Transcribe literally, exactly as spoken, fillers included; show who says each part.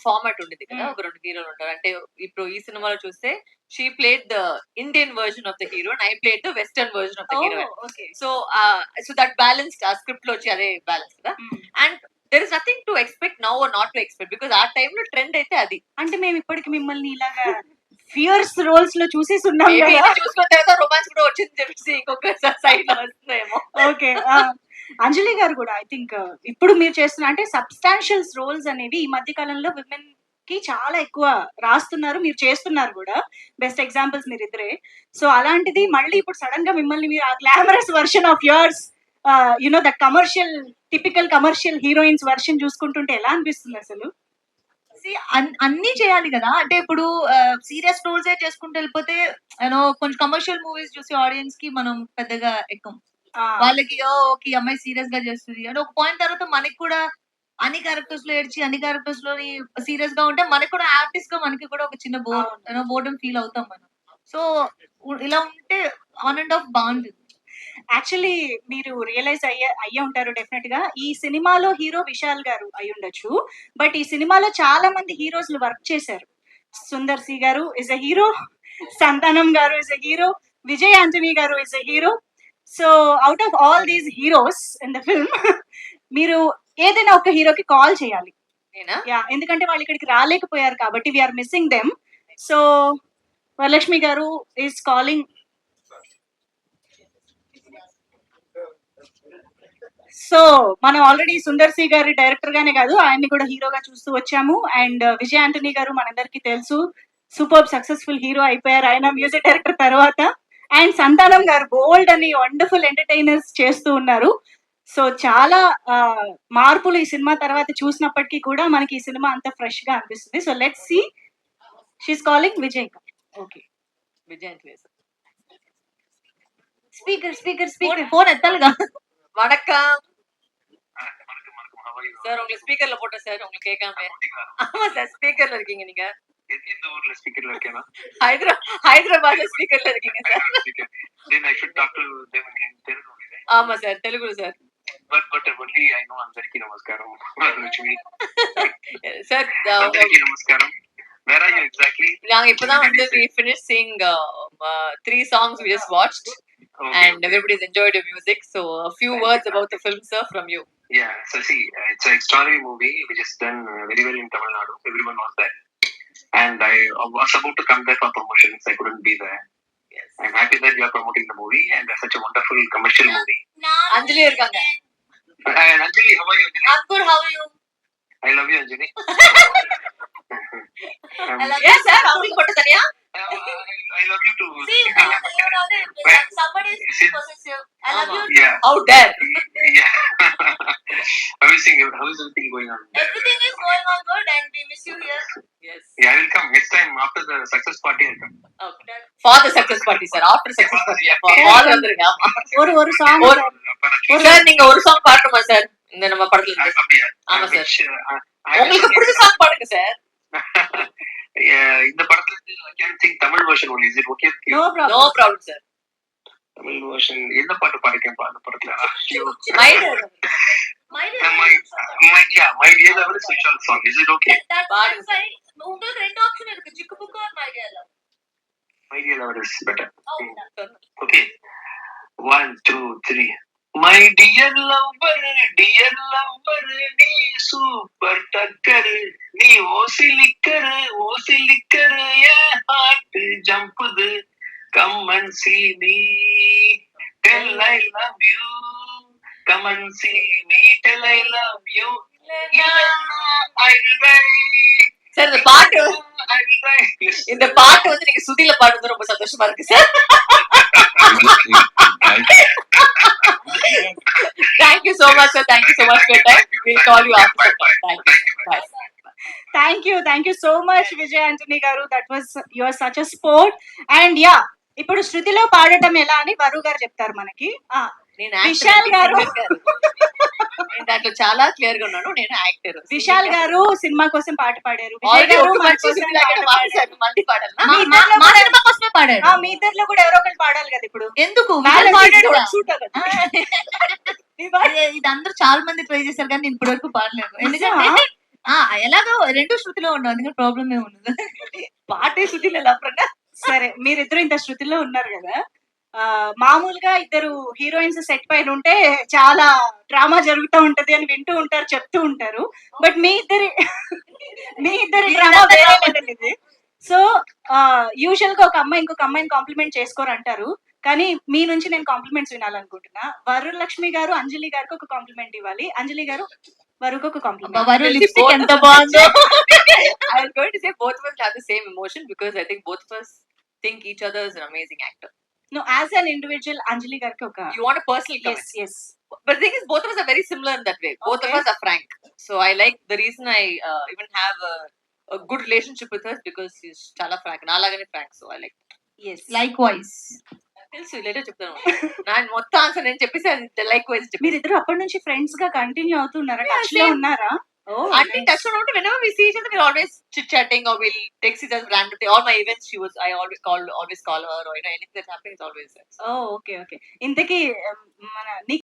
Speaker 1: Format ఉండేది కదా, ఒక రెండు హీరోలు ఉంటారు. అంటే ఇప్పుడు ఈ సినిమాలో చూస్తే she played the Indian version of the hero, I played the western version of the hero. So so that balance ఆ స్క్రిప్ట్ లో వచ్చి అదే బ్యాలెన్స్ కదా. And there is nothing to expect now or not to expect, because ఆ టైంలో trend అయితే అది.
Speaker 2: అంటే మేము ఇప్పటికి మిమ్మల్ని ఇలాగా ఫియర్స్ రోల్స్ లో చూసేసి ఉన్నాం
Speaker 1: Maybe
Speaker 2: కదా.
Speaker 1: ఇది చూసుకున్న తర్వాత రొమాన్స్ కూడా వచ్చింది చెప్పేసి ఇంకొక సైడ్ లో వస్తుందేమో.
Speaker 2: ఓకే, అంజలి గారు కూడా ఐ థింక్ ఇప్పుడు మీరు చేస్తున్న అంటే సబ్స్టాన్షియల్ రోల్స్ అనేవి ఈ మధ్య కాలంలో విమెన్ కి చాలా ఎక్కువ రాస్తున్నారు, మీరు చేస్తున్నారు కూడా. బెస్ట్ ఎగ్జాంపుల్స్ మీరు ఇద్దరే. సో అలాంటిది మళ్ళీ ఇప్పుడు సడన్ గా మిమ్మల్ని మీరు ఆ glamorous version of yours, you know that commercial typical commercial heroines version చూసుకుంటుంటే ఎలా అనిపిస్తుంది అసలు?
Speaker 3: అన్ని చేయాలి కదా. అంటే ఇప్పుడు సీరియస్ రోల్స్ చేసుకుంటూ వెళ్ళిపోతే యూనో కొంచెం కమర్షియల్ మూవీస్ చూసి ఆడియన్స్ కి మనం పెద్దగా ఎక్కం. వాళ్ళకి ఓకే అమ్మాయి సీరియస్ గా చేస్తుంది అంటే ఒక పాయింట్ తర్వాత మనకి కూడా అన్ని క్యారెక్టర్స్ లో ఏడ్చి అన్ని క్యారెక్టర్స్ లో సీరియస్ గా ఉంటే మనకి కూడా ఆర్టిస్ట్ గా మనకి కూడా ఒక చిన్న బోర్ యూనో బోర్డమ్ ఫీల్ అవుతాం మనం. సో ఇలా ఉంటే ఆన్ అండ్ ఆఫ్ బాగుంటుంది.
Speaker 2: యాక్చువల్లీ మీరు రియలైజ్ అయ్యే అయ్యే ఉంటారు డెఫినెట్ గా, ఈ సినిమాలో హీరో విశాల్ గారు అయి ఉండొచ్చు, బట్ ఈ సినిమాలో చాలా మంది హీరోస్ వర్క్ చేశారు. Sundar C garu is a hero, Santhanam garu is a hero, Vijay Antony garu is a hero. So out of all these heroes in the film మీరు ఏదైనా ఒక హీరోకి కాల్ చేయాలి. యా, ఎందుకంటే వాళ్ళు ఇక్కడికి రాలేకపోయారు కాబట్టి we are missing them. So Varalakshmi garu is calling. So మనం ఆల్రెడీ సుందర్ సి గారి డైరెక్టర్ గానే కాదు ఆయన్ని కూడా హీరోగా చూస్తూ వచ్చాము. అండ్ విజయ్ ఆంటనీ గారు మనందరికీ తెలుసు, సూపర్ సక్సెస్ఫుల్ హీరో అయిపోయారు ఆయన మ్యూజిక్ డైరెక్టర్ తర్వాత. అండ్ సంతానం గారు బోల్డ్ అని వండర్ఫుల్ ఎంటర్టైనర్స్ చేస్తూ ఉన్నారు. సో చాలా మార్పులు ఈ సినిమా తర్వాత చూసినప్పటికీ కూడా మనకి ఈ సినిమా అంత ఫ్రెష్ గా అనిపిస్తుంది. So let's see, she's calling Vijay. Okay,
Speaker 1: Vijay
Speaker 2: speaker speaker speaker
Speaker 3: phone ఎత్తాలిగా.
Speaker 1: வணக்கம் சார், உங்களுக்கு ஸ்பீக்கர்ல போட்டேன் சார், உங்களுக்கு கேட்காம. ஆமா சார், ஸ்பீக்கர்ல இருக்கீங்க நீங்க.
Speaker 4: எந்த ஊர்ல ஸ்பீக்கர்ல இருக்கேனா?
Speaker 1: ஹைதரா ஹைதராபாத்ல ஸ்பீக்கர்ல இருக்கீங்க sir.
Speaker 4: then I should talk to them in Telugu.
Speaker 1: ஆமா சார், தெலுங்குல sir.
Speaker 4: but but only I know అందరికి నమస్కారం. లక్ష్మి
Speaker 1: సార్
Speaker 4: అందరికి నమస్కారం. where are you exactly?
Speaker 1: நாங்க இப்பதான் வந்து we finished seeing uh, uh, three songs we just watched. Okay, and okay. Everybody's enjoyed your music. So a few Thank words you. about the film, sir, from you.
Speaker 4: Yeah, so see, uh, it's an extraordinary movie which is done uh, very well in Tamil Nadu. Everyone was there. And I uh, was about to come there for promotions. I couldn't be there. Yes. I'm happy that you are promoting the movie and it's such a wonderful commercial movie.
Speaker 1: Anjali irukanga.
Speaker 4: And Anjali, how are you, Anjali?
Speaker 1: I'm good, how are you?
Speaker 4: I love you, Anjali.
Speaker 1: um, I love yes, you, sir. Somebody put it there.
Speaker 4: Uh, I love you too.
Speaker 1: See, you know, somebody is possessive. I love you.
Speaker 4: Yeah.
Speaker 1: How dare?
Speaker 4: Yeah. How is it? How is everything going on?
Speaker 1: Everything is going on good, and we miss you here. Yes.
Speaker 4: Yeah, I will come next time after the success party. I'll come.
Speaker 1: Okay. For the success party, sir. After success party. Yeah. For all வந்துருங்க.
Speaker 2: ஒரு ஒரு song
Speaker 1: sir, நீங்க ஒரு song பாடுமா sir இந்த நம்ம படத்துல இருந்து?
Speaker 4: அப்படியே.
Speaker 1: ஆமா சார். உங்களுக்கு பிடிச்ச சாங் பாடுங்க சார்.
Speaker 4: இந்த படத்துல I can sing Tamil version only. Is it okay?
Speaker 2: No problem.
Speaker 1: No problem, sir.
Speaker 4: Tamil version என்ன பாட்டு பாடிக்கேன் அந்த படத்துல?
Speaker 1: My dear. My dear.
Speaker 4: My yeah, my dear love is which all song. Is it okay?
Speaker 1: That's fine. உங்களுக்கு ரெண்டு option இருக்கு, Chikku Bukku or my dear love.
Speaker 4: My dear love is better.
Speaker 1: Oh,
Speaker 4: hmm. Okay. One, two, three. My dear lover, dear lover, நீ super டக்கர், நீ ஓசிலிக்கர், ஓசிலிக்கர், என் heart ஜம்புது, come and see me, tell I love you, come and see me, tell I love you, yeah, I will die.
Speaker 1: Sir, இந்த பாட்டு இந்த பாட்டு வந்து நீங்க சுதில பாடுறது ரொம்ப சந்தோஷமா இருக்கு sir. Thank you so much, sir. Thank you so much for your time. We'll call you after. Thank you. Bye.
Speaker 2: Thank you. Thank you so much, Vijay Antony garu. That was, you are such a sport. And yeah, ఇప్పుడు శృతిలో పాడటం ఎలా అని వరు గారు చెప్తారు మనకి. విశాల్ గారు
Speaker 1: దాంట్లో చాలా క్లియర్ గా ఉన్నాను, నేను యాక్టర్.
Speaker 2: విశాల్ గారు సినిమా కోసం పాట పాడారు, మీ ఇద్దరిలో కూడా ఎవరో ఒకరు పాడాలి కదా ఇప్పుడు.
Speaker 3: ఎందుకు ఇది అందరూ చాలా మంది ట్రై చేశారు కానీ నేను ఇప్పటి వరకు పాడలేదు. ఎందుకంటే ఆ! ఎలాగో రెండు శృతిలో ఉండవు. అందుకని ప్రాబ్లమ్ ఏమి ఉండదు.
Speaker 1: పాటే శృతిలో ఎలా ప్రణ
Speaker 2: సరే మీరిద్దరు ఇంత శృతిలో ఉన్నారు కదా ఆ, మామూలుగా ఇద్దరు హీరోయిన్స్ సెట్ పైన ఉంటే చాలా డ్రామా జరుగుతూ ఉంటది అని వింటూ ఉంటారు చెప్తూ ఉంటారు బట్ మీ ఇద్దరి మీ ఇద్దరి డ్రామా వేరే level ఇది సో యూజువల్ గా ఒక అమ్మాయి ఇంకొక అమ్మాయిని కాంప్లిమెంట్ చేసుకోరు అంటారు కానీ మీ నుంచి నేను కాంప్లిమెంట్స్ వినాలనుకుంటున్నా వరులక్ష్మి గారు అంజలి గారికి ఒక కాంప్లిమెంట్ ఇవ్వాలి అంజలి గారు వరుకు ఒక
Speaker 3: అబ్బా,
Speaker 2: కాంప్లిమెంట్
Speaker 3: వరు లిప్స్టిక్ ఎంత బాగుందో.
Speaker 1: I was going to say both of us have the same emotion because I think both of us think each other is an amazing actor.
Speaker 2: No as an individual Anjali గారికి ఒక
Speaker 1: You want a personal comment?
Speaker 2: Yes yes
Speaker 1: But the thing is, both of us are very similar in that way. Both
Speaker 2: Okay.
Speaker 1: of us are frank. So I like the reason I uh, even have a, a good relationship with her is because she's chala frank. Nalagane frank. So I like.
Speaker 2: Yes
Speaker 3: likewise.
Speaker 1: తెలుసు later చెప్తాను నేను మొత్తం answer నేను చెప్పేసి అది like wise చెప్పి
Speaker 2: మీరిద్దరు అప్పటి నుంచి ఫ్రెండ్స్ గా కంటిన్యూ అవుతున్నారా
Speaker 1: Yeah,
Speaker 2: టచ్ లో
Speaker 1: same.
Speaker 2: ఉన్నారా
Speaker 1: అంటే టచ్ లో ఉంటే whenever we see each other we're always chit chatting or we'll text each other randomly. All my events she was I always call always call her or you know anything that's happening is always there.
Speaker 2: Oh okay okay ఇంతకీ um, మన